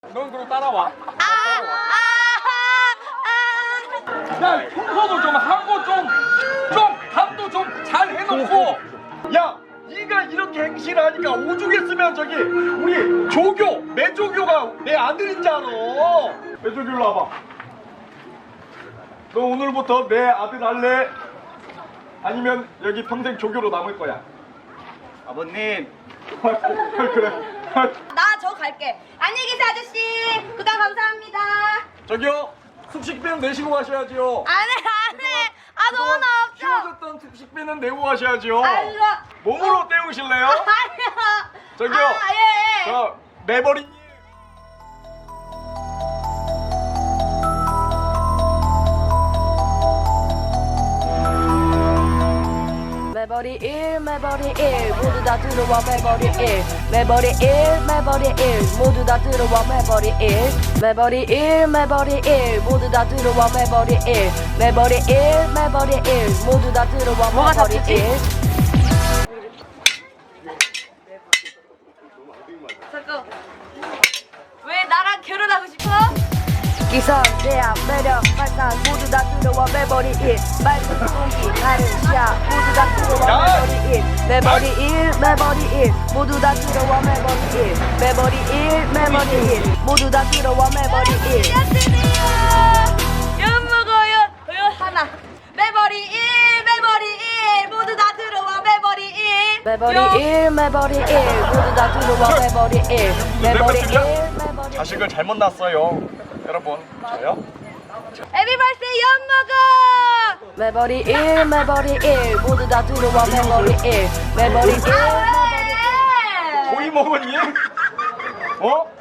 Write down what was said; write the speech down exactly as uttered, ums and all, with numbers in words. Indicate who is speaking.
Speaker 1: 넌 그럼 따라와.
Speaker 2: 아,
Speaker 1: 야, 청소도 좀 하고 좀, 좀 밥도 좀 잘 해놓고. 야, 네가 이렇게 행실을 하니까 오죽했으면 저기 우리 조교, 매조교가 내 아들인 줄 알아. 매조교 일로 와봐. 너 오늘부터 내 아들 할래? 아니면 여기 평생 조교로 남을 거야? 아버님. 그래.
Speaker 2: 나 저 갈게. 안녕히 계세요, 아저씨. 구독 감사합니다.
Speaker 1: 저기요, 숙식비는 내시고 가셔야지요.
Speaker 2: 안 해, 안 해. 아, 너무 나 없죠?
Speaker 1: 키워줬던 숙식비는 내고 가셔야지요.
Speaker 2: 아니요.
Speaker 1: 몸으로 때우실래요?
Speaker 2: 아니요.
Speaker 1: 저기요.
Speaker 2: 아, 예, 예.
Speaker 1: 저 매버리님.
Speaker 3: 매버리 일 매버리 일 모두 다 들어와 매버리 일 매버리 일 매버리 일 모두 다 들어와 매버리 일 매버리 일 매버리 일 모두 다 들어와 매버리 일 매버리 일 매버리 일 모두 다 들어와 매버리 일
Speaker 2: 잠깐. 왜 나랑 결혼하고 싶어?
Speaker 3: 기선 제압 매력 발산 모두 다 들어와 매버리 일 맑은 공기 가는 샤 모두 다 들어와 매버리 일 매버리 일 매버리 일 모두 다 들어와 매버리 일 매버리 일 매버리 일 모두 다 들어와 매버리 일
Speaker 2: 연 먹어요. 연 하나. 매버리 일, 매버리 일 모두 다 들어와 매버리 일.
Speaker 3: 매버리 일 매버리 일 모두 다 들어와 매버리 일 매버리 일 매버리
Speaker 1: 자식을 잘못 낳았어요. 여러분, 저요?
Speaker 2: 에비벌스데이 연 먹어.
Speaker 3: 매버리 일 매버리 일 모두 다 들어와 매버리 일 매버리 일 매버리
Speaker 2: 아, 왜?
Speaker 1: 고이 먹었니? 어?